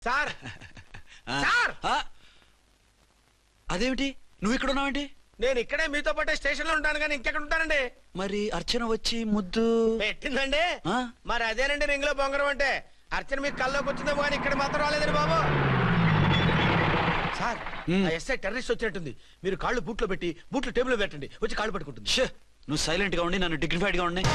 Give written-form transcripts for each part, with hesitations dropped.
Sir sir అదేమిటి నువ్వు ఇక్కడ ఉన్నావేంటి? నేను ఇక్కడే మీతో పాటే స్టేషన్ లో ఉంటాను కానీ ఇంకెక్కడ ఉంటానండి. మరి అర్చన వచ్చి ముద్దు పెట్టిందండి. మరి అదేనండి రింగ్ లో బొంగరం అంటే. అర్చన మీకు కల్లోకి వచ్చిందేమో కానీ ఇక్కడ మాత్రం రాలేదండి బాబు. సార్ ఎస్ఐ టెర్రరిస్ట్ వచ్చినట్టుంది. మీరు కాళ్ళు బూట్లో పెట్టి బూట్లు టేబుల్ లో పెట్టండి, వచ్చి కాళ్ళు పట్టుకుంటుంది. నువ్వు సైలెంట్ గా ఉండి నన్ను డిగ్నిఫైడ్ గా ఉండి.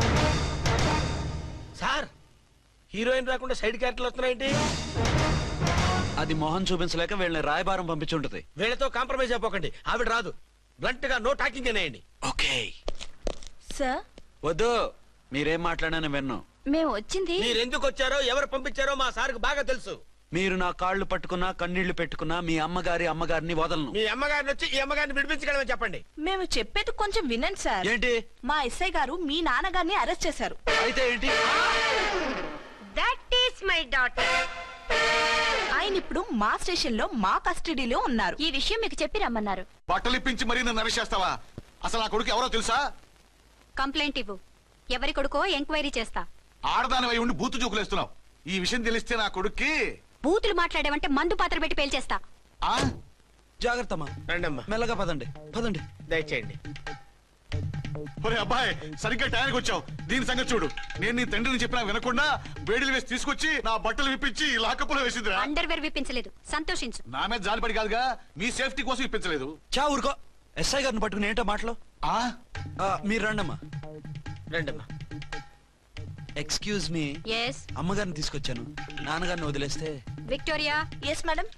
సార్ హీరోయిన్ రాకుండా సైడ్ క్యారెక్టర్లు వస్తున్నాయేంటి? అది మొహం చూపించలేక వీళ్ళని రాయబారం పంపించుంటది. వీళ్ళతో కాంప్రమైజ్ అయిపోకండి, ఆవిడ రాదు. బ్లంట్ గా నో టాకింగ్ అనేయండి. Okay sir. వద్దు, మీరేం మాట్లాడానని విన్నాం. మేము వచ్చింది మీరెందుకు వచ్చారో ఎవరు పంపించారో మా సార్కు బాగా తెలుసు. మీరు నా కాళ్ళు పట్టుకున్నా కన్నీళ్లు పెట్టుకున్నా మీ అమ్మగారిని వదలను. మీ అమ్మగారిని వచ్చి ఈ అమ్మగారిని విడిపించగలమని చెప్పండి. మేము చెప్పేది కొంచెం వినండి సార్. ఏంటి? మా ఎస్ఐ గారు మీ నాన్నగారిని అరెస్ట్ చేశారు. అయితే ఏంటి? That is my daughter. ఆయన ఇప్పుడు మా స్టేషన్ లో మా కస్టడీలో ఉన్నారు. ఈ విషయం మీకు చెప్పి రమ్మన్నారు. బట్టలు ఇప్పించి మరీ నన్ను అరెస్ట్ చేస్తావా? అసలు నా కొడుకు ఎవరో తెలుసా? కంప్లైంట్ ఇవ్వు. ఎవరి కొడుకో ఎంక్వైరీ చేస్తా. ఆడదానివై ఉండి బూతు చూకులేస్తున్నావు. ఈ విషయం తెలిస్తే నా కొడుక్కి బూతులు మాట్లాడేవంటే మందు పాత్ర పెట్టి పేల్చేస్తా. జాగ్రత్తమ్మా. రండమ్మా. మెల్లగా పదండి పదండి. దయచేయండి. ఒరే అబ్బాయి, సరిగ్గా టైంకి వచ్చావు. దీని సంగతి చూడు. నేను నీ తండ్రిని చెప్పినా వినకుండా వేడిలు వేసి తీసుకొచ్చి నా బట్టలు విప్పించి లాకప్పులో వేసిందిరా. అండర్వేర్ విప్పించలేదు, సంతోషించు. నా మీద జాలిపడి కాదుగా, మీ సేఫ్టీ కోసం ఇప్పించలేదు. చా ఊరుకో. ఎస్ఐ గారిని పట్టుకుని ఏంటో మాటలు. మీరు రండమ్మా. రండమ్మా. Excuse me. ఎస్. అమ్మగారిని తీసుకొచ్చాను. నాన్నగారిని వదిలేస్తే. Victoria. Yes madam.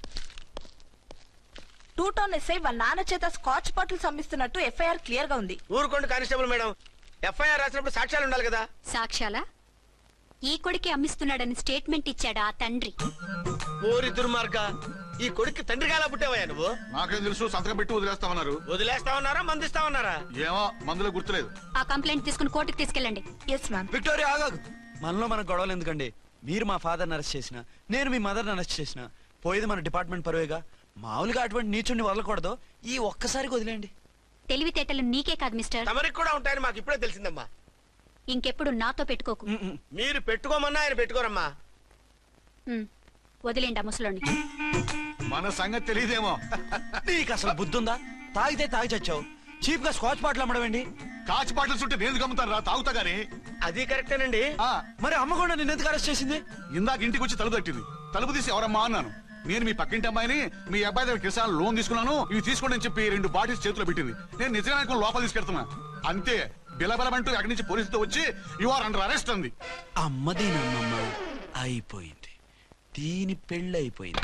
2 town SI వాళ్ళ నాన్న చేత స్కాచ్ బాటిల్స్ అమ్మిస్తున్నట్టు ఎఫ్ఐఆర్ క్లియర్ గా ఉంది. ఊరుకోండి కానిస్టేబుల్ మేడం. ఎఫ్ఐఆర్ రాసినప్పుడు సాక్ష్యాలు ఉండాలి కదా. సాక్ష్యాలా? ఈ కొడుకే అమ్మిస్తున్నాడని స్టేట్మెంట్ ఇచ్చాడా ఆ తండ్రి? ఓరి దుర్మార్గ, ఈ కొడుక్కి తండ్రిగా ఎలా పుట్టావయ్యా నువ్వు? నాకేం తెలుసు, సంతకం పెట్టి వదిలేస్తామన్నారు. వదిలేస్తామన్నారా మందిస్తామన్నారా? ఏమో, మందులో గుర్తులేదు. ఆ కంప్లైంట్ తీసుకుని కోర్టుకు తీసుకెళ్ళండి. Yes ma'am. విక్టోరియా ఆగాగు. మనలో మన గొడవలు ఎందుకండి? మీరు మా ఫాదర్ని అరెస్ట్ చేసిన, నేను మీ మదర్ని అరెస్ట్ చేసిన, పోయేది మన డిపార్ట్మెంట్ పరువేగా. మామూలుగా అటువంటి నీచుడిని వదలకూడదు. ఈ ఒక్కసారికి వదిలేండి. తెలివితేటలు నీకే కాదు మిస్టర్, తమరికి కూడా ఉంటాయని మాకు ఇప్పుడే తెలిసిందమ్మా. ఇంకెప్పుడు నాతో పెట్టుకోకు. మీరు పెట్టుకోమన్నా ఆయన పెట్టుకోరమ్మా. వదిలేండి ఆ ముసలోని. మన సంగతి తెలియదేమో. నీకు అసలు బుద్ధుందా? తాగితే తాగి చచ్చావు. చీప్ గా స్కాచ్ బాటిల్ అమ్మడమేంటి? కాచి బాటలు చుట్టూ నేను గమ్ముతాను రా, తాగుతా గానీ. అది కరెక్టేనండి. మరి అమ్మ కూడా నిన్ను ఎందుకు అరెస్ట్ చేసింది? ఇందాక ఇంటికి వచ్చి తలుపు తట్టింది. తలుపు తీసి ఎవరమ్మా అన్నాను. నేను మీ పక్కింటి అమ్మాయిని, మీ అబ్బాయి దగ్గర కిసాన్ లోన్ తీసుకున్నాను, ఇవి తీసుకోండి అని చెప్పి 2 బాటిల్స్ చేతిలో పెట్టింది. నేను నిజంగా లోపల తీసుకెళ్తున్నా. అంతే, బిలబలమంటూ అక్కడి నుంచి పోలీసుతో వచ్చి యు ఆర్ అండర్ అరెస్ట్ అంది. అమ్మ దీనమ్మమ్మ అయిపోయింది. దీని పెళ్ళి అయిపోయింది.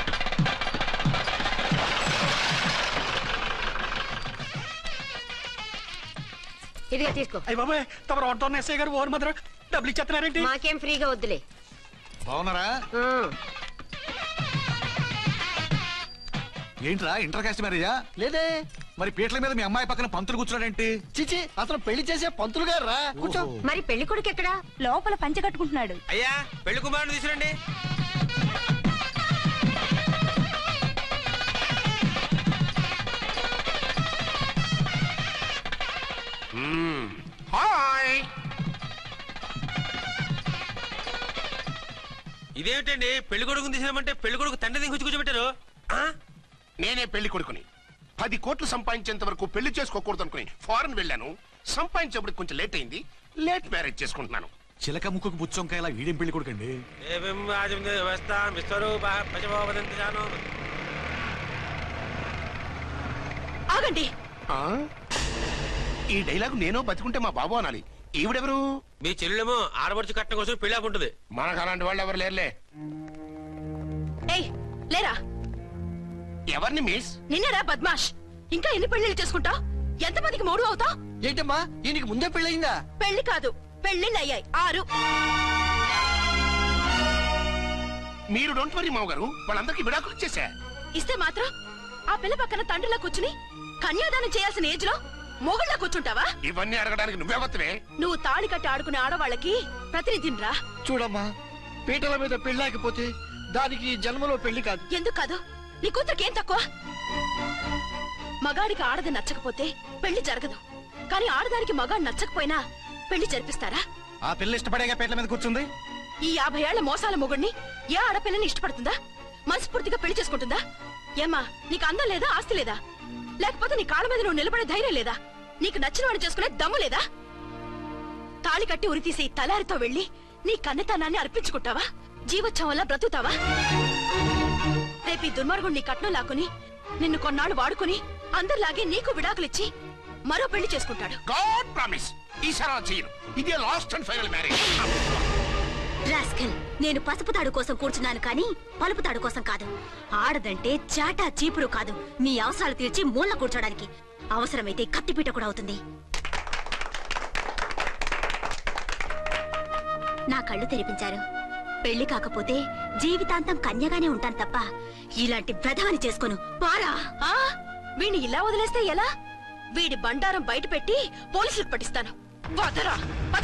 ఇదిగా తీసుకో. అయ్య బాబాయ్, తమ రోడ్డు ఎస్ఐ గారు ఓన్ మాత్రం డబ్బులు ఇచ్చేస్తున్నారేంటి? మాకేం ఫ్రీగా వద్దులే. బాగున్నారా? ఏంట్రా ఇంటర్ కాస్ట్ మ్యారేజా? లేదే. మరి పీటల మీద మీ అమ్మాయి పక్కన పంతులు కూర్చున్నాడేంటి? చిచి, అతను పెళ్లి చేసే పంతులు గారు రా. కూర్చో. మరి పెళ్లి కొడుకు ఎక్కడా? లోపల పంచె కట్టుకుంటున్నాడు. అయ్యా, పెళ్లి కుమారుని తీసుకురండి. హాయ్. ఇదేమిటండి, పెళ్లి కొడుకుని తీసినామంటే పెళ్లి కొడుకు తండ్రి దిగి కూర్చోబెట్టారు. నేనే పెళ్లి కొడుకుని. 10 కోట్లు సంపాదించేంత వరకు పెళ్లి చేసుకోకూడదు అనుకుని ఫారెన్ వెళ్ళాను. సంపాదించేప్పుడు కొంచెం లేట్ అయింది. లేట్ మ్యారేజ్ చేసుకుంటున్నాను. చిలక ముక్కుకు బుచ్చొంకాయలా వీడేం పెళ్లి కొడుకండి? ఆగండి. ఈ డైలాగ్ నేను బతుకుంటే మా బాబు అనాలి. ఈవిడెవరు? మీ చెల్లెమో ఆడబడుచు కట్టడం కోసం పెళ్లి ఆకుంటుంది. మనకు అలాంటి వాళ్ళు ఎవరు లేరులే. ఏయ్ లేరా. ఎవరిని మిస్? నిన్నరా బద్మాష్. ఇంకా ఎన్ని పెళ్లిళ్ళు చేసుకుంటావు? ఎంతమందికి మూడు అవుతావు? ఏంటమ్మా, ఈయనకి ముందే పెళ్ళయిందా? పెళ్లి కాదు, పెళ్లిళ్ళు అయ్యాయి 6. మీరు డోంట్ వరీ మావ గారు, వాళ్ళందరికీ విడాకులు ఇచ్చేసా. ఇస్తే మాత్రం ఆ పిల్ల పక్కన తండ్రిలా కూర్చుని కన్యాదానం చేయాల్సిన ఏజ్ లో మొగుళ్ళ కూర్చుంటావా? ఇవన్నీ అడగడానికి నువ్వెవత్తవే? నువ్వు తాళి కట్టి ఆడుకునే ఆడవాళ్ళకి ప్రతినిధిరా. చూడమ్మా, పీటల మీద పెళ్ళాకపోతే దానికి జన్మలో పెళ్లి కాదు. ఎందుకు కాదు? నీ కూతురికేం తక్కువ? మగాడికి ఆడది నచ్చకపోతే పెళ్లి జరగదు. కానీ ఆడదానికి మగాడు నచ్చకపోయినా పెళ్లి జరిపిస్తారా? ఆ పిల్ల ఇష్టపడేగా పీటల మీద కూర్చుంది. ఈ 50 ఏళ్ల మోసాల మొగుడిని ఏ ఆడపిల్లని ఇష్టపడుతుందా? మనస్ఫూర్తిగా పెళ్లి చేసుకుంటుందా? ఏమ్మా, నీకు అందం లేదా, ఆస్తి లేదా? లేకపోతే నీ కాళ్ళ మీద నువ్వు నిలబడే ధైర్యం లేదా? నీకు నచ్చిన వాడిని చేసుకునే దమ్ము లేదా? తాళి కట్టి ఉరితీసే ఈ తలారితో వెళ్లి నీ కన్నెతనాన్ని అర్పించుకుంటావా? జీవోత్సవం వల్ల బ్రతుకుతావా? రేపు ఈ దుర్మార్గుడు నీ కట్నం లాక్కుని నిన్ను కొన్నాళ్ళు వాడుకుని అందరిలాగే నీకు విడాకులిచ్చి మరో పెళ్లి చేసుకుంటాడు. గాడ్ ప్రామిస్ ఈసారి అలా చేయను. ఇదే last and final marriage. Rascal, నేను పసుపు తాడు కోసం కూర్చున్నాను కానీ పలుపు తాడు కోసం కాదు. ఆడదంటే చాటా చీపురు కాదు, నీ అవసరాలు తీర్చి మూల కూర్చోడానికి. అవసరమైతే కత్తిపీట కూడా అవుతుంది. నా కళ్ళు తెరిపించారు. పెళ్లి కాకపోతే జీవితాంతం కన్యగానే ఉంటాను తప్ప ఇలాంటి ప్రధాని చేసుకోను. పారా! వీణ్ణి ఇలా వదిలేస్తే ఎలా? వీడి బండారం బయట పెట్టి పోలీసులకు పట్టిస్తాను. వదరా, వద.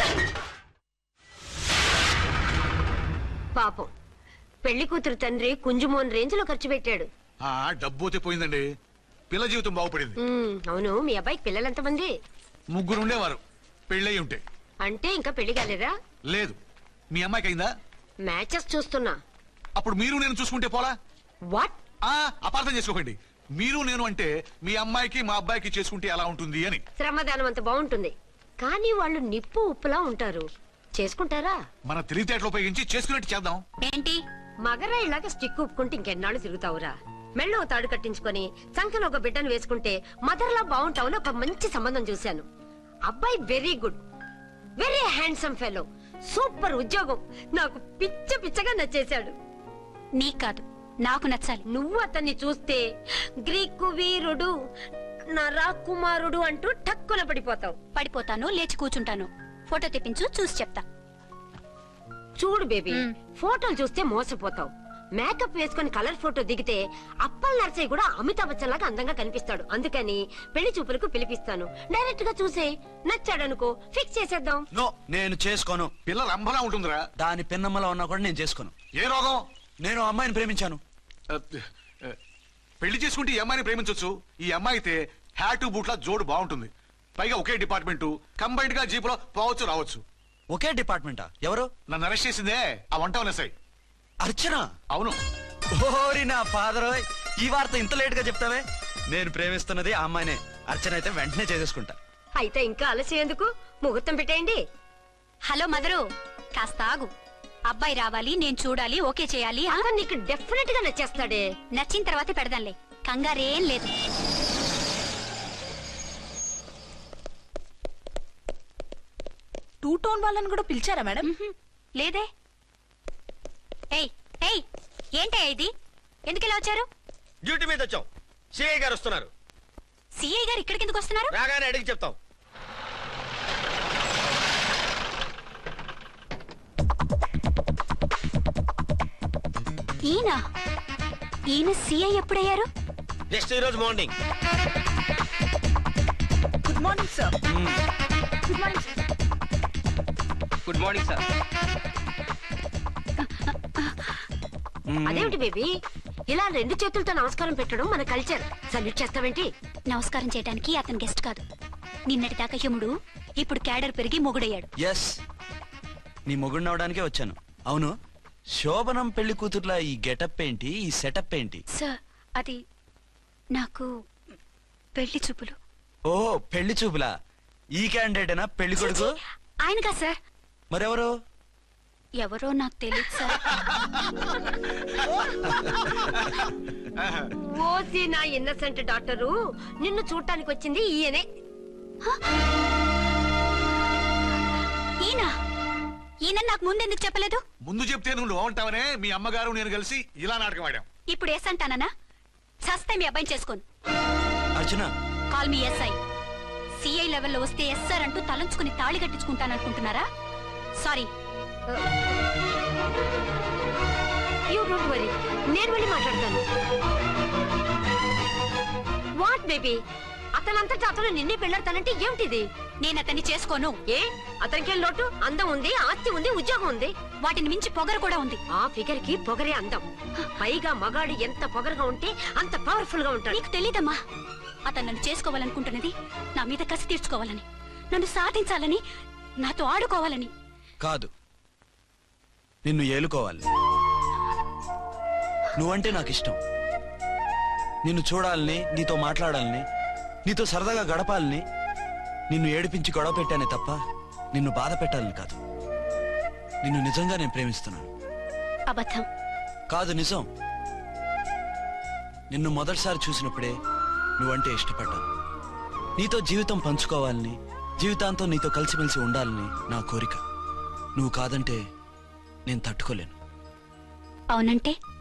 పాపం పెళ్లి కూతురు తండ్రి కుంజుమోన్ రేంజ్ లో ఖర్చు పెట్టాడు. డబ్బు అయితే పోయిందండి, పిల్ల జీవితం బాగుపడింది. అవును, మీ అబ్బాయికి పిల్లలెంతమంది? 3 ఉండేవారు, పెళ్ళయి ఉంటే. అంటే ఇంకా పెళ్లి కాలేదా? లేదు. మీ అమ్మాయికి అయిందా? మ్యాచెస్ చూస్తున్నా. అప్పుడు మీరు నేను చూసుకుంటే పోలా? వాట్? అపార్థం చేసుకోకండి. మీరు నేను అంటే మీ అమ్మాయికి మా అబ్బాయికి చేసుకుంటే ఎలా ఉంటుంది అని. శ్రమదానం అంత బాగుంటుంది, కానీ వాళ్ళు నిప్పు ఉప్పులా ఉంటారు. చేసుకుంటారా? మన తెలివితేటలు ఉపయోగించి చేసుకున్నట్టు చేద్దాం. ఏంటి? మగరాయిలాగా స్టిక్ ఉప్పుకుంటే ఇంకెన్నాళ్ళు తిరుగుతావురా? మెళ్ళో తాడు కట్టించుకొని సంఖ్యలో ఒక బిడ్డను వేసుకుంటే మదర్లా బాగుంటావుని ఒక మంచి సంబంధం చూశాను. అబ్బాయి very good, very handsome fellow, super ఉద్యోగం. నాకు పిచ్చగా నచ్చేశాడు. నీకు కాదు, నాకు నచ్చాలి. నువ్వు అతన్ని చూస్తే గ్రీకు వీరుడు, నా రాకుమారుడు అంటూ టక్కున పడిపోతావు. పడిపోతాను, లేచి కూర్చుంటాను. ఫోటో తెప్పించు, చూసి చెప్తా. చూడు బేబీ, ఫోటోలు చూస్తే మోసపోతావు. మేకప్ వేసుకుని కలర్ ఫోటో దిగితే అప్పల్ నర్సయ్య కూడా అమితాబ్ బచ్చన్ లాగా అందంగా కనిపిస్తాడు. అందుకని పెళ్లి చూపులకు పిలిపిస్తాను. డైరెక్ట్ గా చూసే నచ్చాడనుకో ఫిక్స్ చేసేద్దాం. నో, నేను చేసుకోను. పిల్ల రంభలా ఉంటుందిరా. దాని పిన్నమ్మలా ఉన్నా కూడా నేను చేసుకోను. ఏ రోగం? నేను అమ్మాయిని ప్రేమించాను. పెళ్లి చేసుకుంటే ఈ అమ్మాయిని ప్రేమించొచ్చు. ఈ అమ్మాయి అయితే హ్యాటు బూట్ల జోడు బాగుంటుంది. పైగా ఒకే డిపార్ట్మెంట్, కంబైన్డ్ గా జీపులో పోవచ్చు రావచ్చు. ఒకే డిపార్ట్మెంటా? ఎవరు? నన్ను అరెస్ట్ చేసిందే ఆ వంట వనసాయి. అర్చన? అవును. ఓరి నా ఫాదర్, ఈ వార్త ఇంత లేట్ గా చెప్తావే? నేను ప్రేమిస్తున్నది ఆ అమ్మాయినే. అర్చన అయితే వెంటనే చేసేసుకుంటా. అయితే ఇంకా ఆలస్యం ఎందుకు? ముహూర్తం పెట్టేయండి. హలో మదరు, కాస్త ఆగు. అబ్బాయి రావాలి, నేను చూడాలి, ఓకే చేయాలి. అతను నీకు డెఫినెట్ గా నచ్చేస్తాడే. నచ్చిన తర్వాత పెడదాంలే, కంగారేం లేదు. టూ టోన్ వాళ్ళని కూడా పిలిచారా మేడం? లేదే. ఏయ్ ఏయ్, ఏంటయ్యా ఇది? ఎందుకు ఇలా వచ్చారు? డ్యూటీ మీద వచ్చాం. సిఐ గారు వస్తున్నారు. సిఐ గారు ఇక్కడికి ఎందుకు వస్తున్నారు? రాగానే అడిగి చెప్తాం. ఈయన సిఐ ఎప్పుడయ్యారు? జస్ట్ ఈ రోజు morning. Good morning sir. Good morning sir. Good morning sir. అదేమిటి బేబీ, ఇలా 2 చేతులతో నమస్కారం పెట్టడం మన కల్చర్. సల్యూట్ చేస్తావేంటి? నమస్కారం చేయడానికి అతను గెస్ట్ కాదు. నిన్నటి దాకా యముడు, ఇప్పుడు క్యాడర్ పెరిగి మొగుడయ్యాడు. ఎస్, నీ మొగుడిని అవడానికే వచ్చాను. అవును, శోభనం పెళ్లి కూతుర్లా ఈ గెటప్ ఏంటి, ఈ సెటప్ ఏంటి? సార్, అది నాకు పెళ్లి చూపులు. ఓ, పెళ్లి చూపులా? ఈ క్యాండిడేటేనా పెళ్లి కొడుకు? ఆయనగా సార్. మరెవరు? ఎవరో నాకు తెలియదు సార్. ఓసి నా ఇన్నసెంట్ డాక్టరు, నిన్ను చూడటానికి వచ్చింది ఈయనే. ఈయన నాకు ముందెందుకు చెప్పలేదు? ముందు చెప్తే నువ్వు బాగుంటావనే మీ అమ్మగారు నేను కలిసి ఇలా నాటకం ఆడాం. ఇప్పుడు ఎస్ అంటానా? సస్తే మీ అబ్బాయిని చేసుకోను. Archana, call me SI. CI లెవెల్లో వస్తే ఎస్ఆర్ అంటూ తలంచుకుని తాళి కట్టించుకుంటాననుకుంటున్నారా? సారీ. యూ డోంట్ వరీ, నేను వెళ్ళి మాట్లాడతాను. వాట్ బేబీ, అతనంతటా అతను నిన్నే పెళ్ళాడతానంటే ఏమిటిది? నేను అతన్ని చేసుకోను. ఏ, అతనికేం లోటు? అందం ఉంది, ఆస్తి ఉంది, ఉద్యోగం ఉంది. వాటిని మించి పొగరు కూడా ఉంది. ఆ ఫిగర్ కి పొగరే అందం. పైగా మగాడు ఎంత పొగరుగా ఉంటే అంత పవర్ఫుల్ గా ఉంటాడు. నీకు తెలీదమ్మా, అతను నన్ను చేసుకోవాలనుకుంటున్నది నా మీద కసి తీర్చుకోవాలని, నన్ను సాధించాలని, నాతో ఆడుకోవాలని. కాదు, నిన్ను ఏలుకోవాలి. నువ్వంటే నాకు ఇష్టం. నిన్ను చూడాలని, నీతో మాట్లాడాలని, నీతో సరదాగా గడపాలని, నిన్ను ఏడిపించి గొడవ పెట్టానే తప్ప నిన్ను బాధ పెట్టాలని కాదు. నిన్ను నిజంగా నేను ప్రేమిస్తున్నాను. అబద్ధం. కాదు, నిజం. నిన్ను మొదటిసారి చూసినప్పుడే నువ్వంటే ఇష్టపడ్డాను. నీతో జీవితం పంచుకోవాలని, జీవితాంతం నీతో కలిసిమెలిసి ఉండాలని నా కోరిక. నువ్వు కాదంటే నేను తట్టుకోలేను. అవునంటే